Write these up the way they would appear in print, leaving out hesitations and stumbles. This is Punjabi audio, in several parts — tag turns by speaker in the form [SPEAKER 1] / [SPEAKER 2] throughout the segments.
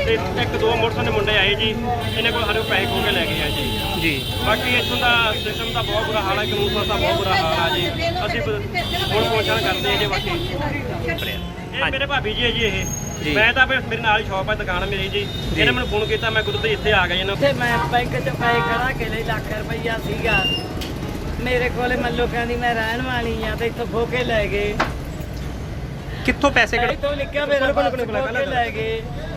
[SPEAKER 1] ਤੇ ਇੱਕ ਦੋ ਮੋਟਰਸਾਈਕਲ ਦੇ ਮੁੰਡੇ ਆਏ ਜੀ, ਇਹਨਾਂ ਕੋਲ ਸਾਡੇ ਪੈਸੇ ਖੋਹ ਕੇ ਲੈ ਗਏ ਆ ਜੀ। ਬਾਕੀ ਇੱਥੋਂ ਦਾ ਸਿਸਟਮ ਦਾ ਬਹੁਤ ਬੁਰਾ ਹਾਲ ਹੈ, ਕਾਨੂੰਨ ਦਾ ਬਹੁਤ ਬੁਰਾ ਹਾਲ ਆ ਜੀ। ਅਸੀਂ ਹੁਣ ਪਹੁੰਚਣ ਕਰਦੇ ਹਾਂ ਜੀ। ਬਾਕੀ ਇਹ ਮੇਰੇ ਭਾਬੀ ਜੀ ਹੈ ਜੀ। ਇਹ ਮੈਂ ਤਾਂ ਮੇਰੇ ਨਾਲ ਹੀ ਸ਼ੌਪ ਹੈ, ਦੁਕਾਨ ਮੇਰੀ ਜੀ। ਇਹਨੇ ਮੈਨੂੰ ਫੋਨ ਕੀਤਾ, ਮੈਂ ਕੁਦਰਤੀ ਇੱਥੇ ਆ ਗਿਆ ਇਹਨਾਂ
[SPEAKER 2] ਤੇ ਮੈਂ ਬੈਂਕ 'ਚ ਪੈਸੇ ਕਢਾ ਕੇ ਲਈ ਲੱਖ ਰੁਪਈਆ ਸੀਗਾ ਮੇਰੇ ਕੋਲੇ। ਮੱਲੋ ਕਹਿੰਦੀ ਮੈਂ ਰਹਿਣ ਵਾਲੀ ਆ ਤੇ ਇੱਥੋਂ ਖੋ ਕੇ ਲੈ ਗਏ।
[SPEAKER 3] ਕਿੱਥੋਂ ਪੈਸੇ ਕੱਢ
[SPEAKER 2] ਇੱਥੋਂ ਲਿਖਿਆ ਮੇਰਾ ਖੋ ਕੇ ਲੈ ਗਏ।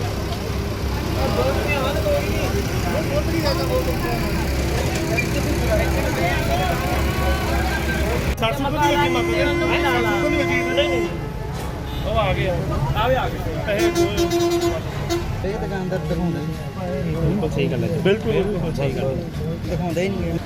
[SPEAKER 1] ਉਹ ਆ ਗਏ ਆ ਗਏ ਪੈਸੇ
[SPEAKER 4] ਇਹ ਦੁਕਾਨਦਾਰ ਦਿਖਾਉਂਦੇ
[SPEAKER 3] ਬਿਲਕੁਲ ਸਹੀ ਗੱਲ ਹੈ। ਬਿਲਕੁਲ ਸਹੀ ਗੱਲ
[SPEAKER 4] ਦਿਖਾਉਂਦੇ ਹੀ ਨਹੀਂ।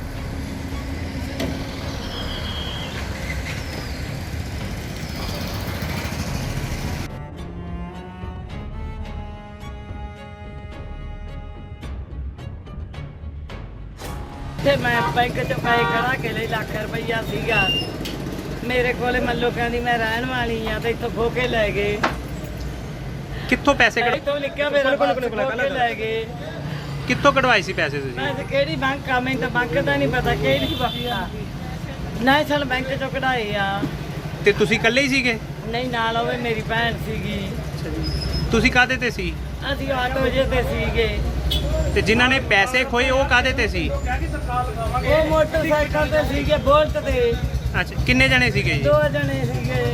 [SPEAKER 2] ਤੇ ਮੈਂ ਬੈਂਕ 'ਚ ਪੈਸੇ ਕਢਾ ਕੇ ਲਈ ਲੱਖ ਰੁਪਈਆ ਸੀਗਾ ਮੇਰੇ ਕੋਲੇ। ਮੱਲੋ ਕਹਿੰਦੀ ਮੈਂ ਰਹਿਣ ਵਾਲੀ ਆ ਤੇ ਇੱਥੋਂ ਖੋ ਕੇ ਲੈ ਗਏ।
[SPEAKER 3] ਕਿੱਥੋਂ ਪੈਸੇ ਕੱਢ
[SPEAKER 2] ਇੱਥੋਂ ਲਿਖਿਆ ਮੇਰਾ ਖੋ ਕੇ ਲੈ ਗਏ।
[SPEAKER 3] ਕਿੱਥੋਂ ਕਢਵਾਏ ਸੀ ਪੈਸੇ ਤੁਸੀਂ?
[SPEAKER 2] ਮੈਂ ਤੇ ਕਿਹੜੀ ਬੈਂਕ ਆ, ਮੈਨੂੰ ਤਾਂ ਬੈਂਕ ਦਾ ਨਹੀਂ ਪਤਾ ਕਿਹੜੀ ਬੈਂਕ ਆ। ਨੈਸ਼ਨਲ ਬੈਂਕ 'ਚੋਂ ਕਢਾਏ ਆ।
[SPEAKER 3] ਤੇ ਤੁਸੀਂ ਇਕੱਲੇ ਹੀ ਸੀਗੇ?
[SPEAKER 2] ਨਹੀਂ, ਨਾਲ ਹੋਵੇ ਮੇਰੀ ਭੈਣ ਸੀਗੀ।
[SPEAKER 3] ਤੁਸੀਂ ਕਾਹਦੇ ਤੇ ਸੀ?
[SPEAKER 2] ਅਸੀਂ 8 ਵਜੇ ਤੇ ਸੀਗੇ।
[SPEAKER 3] ਤੇ ਜਿਨ੍ਹਾਂ ਨੇ ਪੈਸੇ ਖੋਏ ਉਹ ਕਾਹਦੇ ਤੇ ਸੀ?
[SPEAKER 2] ਉਹ ਮੋਟਰਸਾਈਕਲ ਤੇ ਸੀਗੇ, ਬੋਲਟ ਤੇ।
[SPEAKER 3] ਅੱਛਾ, ਕਿੰਨੇ ਜਣੇ ਸੀਗੇ ਜੀ?
[SPEAKER 2] 2 ਜਣੇ ਸੀਗੇ।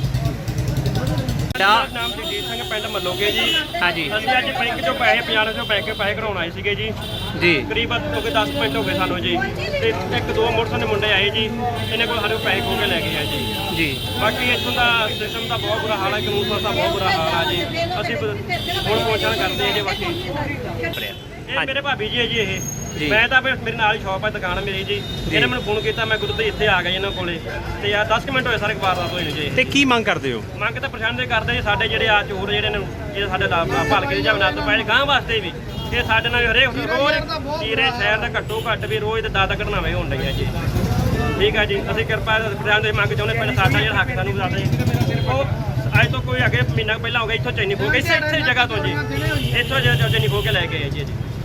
[SPEAKER 1] ਮੇਰਾ ਨਾਮ ਜਗਜੀਤ ਸਿੰਘ, ਪਿੰਡ ਮੱਲੋਗੇ ਜੀ।
[SPEAKER 3] ਹਾਂਜੀ
[SPEAKER 1] ਅਸੀਂ ਅੱਜ ਬੈਂਕ ਚੋਂ ਪੈਸੇ 50 ਤੋਂ ਬੈਂਕ ਪੈਸੇ ਕਢਾਉਣ ਆਏ ਸੀਗੇ ਜੀ।
[SPEAKER 3] ਜੀ
[SPEAKER 1] ਕਰੀਬ ਹੋ ਗਏ 10 ਮਿੰਟ ਹੋ ਗਏ ਸਾਨੂੰ ਜੀ। ਤੇ ਇੱਕ ਦੋ ਮੋਟਰਸਾਈਕਲ ਦੇ ਮੁੰਡੇ ਆਏ ਜੀ, ਇਹਨਾਂ ਕੋਲ ਸਾਡੇ ਪੈਸੇ ਖੋਹ ਕੇ ਲੈ ਗਏ ਆ ਜੀ। ਬਾਕੀ ਇੱਥੋਂ ਦਾ ਸਿਸਟਮ ਦਾ ਬਹੁਤ ਬੁਰਾ ਹਾਲ ਹੈ, ਕਾਨੂੰਨ ਦਾ ਬਹੁਤ ਬੁਰਾ ਹਾਲ ਆ ਜੀ। ਅਸੀਂ ਹੁਣ ਪਹੁੰਚਣ ਕਰਦੇ ਹਾਂ ਜੀ। ਬਾਕੀ ਇਹ ਮੇਰੇ ਭਾਬੀ ਜੀ ਹੈ ਜੀ। ਇਹ ਮੈਂ ਤਾਂ ਮੇਰੇ ਨਾਲ ਹੀ ਸ਼ੌਪ ਹੈ, ਦੁਕਾਨ ਮੇਰੀ ਜੀ। ਇਹਨੇ ਮੈਨੂੰ ਫੋਨ ਕੀਤਾ, ਮੈਂ ਕੁਦਰਤੀ ਇੱਥੇ ਆ ਗਿਆ ਇਹਨਾਂ ਕੋਲੇ। ਤੇ ਯਾਰ 10 ਮਿੰਟ ਹੋਏ ਸਾਰੇ ਵਾਰਦਾਤ ਹੋਏ ਨੇ ਜੀ।
[SPEAKER 3] ਤੇ ਕੀ ਮੰਗ ਕਰਦੇ ਹੋ?
[SPEAKER 1] ਮੰਗ ਤਾਂ ਪਰੇਸ਼ਾਨ ਦੇ ਕਰਦੇ ਜੀ ਸਾਡੇ ਜਿਹੜੇ ਆ ਚੋਰ ਜਿਹੜੇ ਨੇ, ਜਿਹੜੇ ਸਾਡੇ ਭਲਕੇ ਦੇ ਜਮਨਾਤ ਤੋਂ ਪੈਸੇ ਗਾਂ ਵਾਸਤੇ ਵੀ ਇਹ ਸਾਡੇ ਨਾਲ ਹਰੇਕ ਰੋਜ਼ ਕੀਰੇ ਸ਼ਹਿਰ ਦਾ ਘੱਟੋ ਘੱਟ ਵੀ ਰੋਜ਼ ਤੇ 10 ਘਟਨਾਵਾਂ ਹੋਣ ਡਈਆਂ ਜੀ। ਠੀਕ ਆ ਜੀ, ਅਸੀਂ ਕਿਰਪਾ ਪਰੇਸ਼ਾਨ ਦੇ ਮੰਗ ਚਾਹੁੰਦੇ ਪਿੰਡ ਸਾਡਾ ਜਿਹੜਾ ਹੱਕ ਸਾਨੂੰ ਦੱਸਦੇ। ਉਹ ਅੱਜ ਤੋਂ ਕੋਈ ਅੱਗੇ ਮਹੀਨਾ ਪਹਿਲਾਂ ਹੋ ਗਿਆ ਇੱਥੋਂ ਚੈਨੀ ਖੋ ਕੇ ਇਸੇ ਜਗ੍ਹਾ ਤੋਂ ਜੀ, ਇੱਥੋਂ ਚੈਨੀ ਖੋ ਕੇ ਲੈ ਕੇ ਆਏ ਜੀ।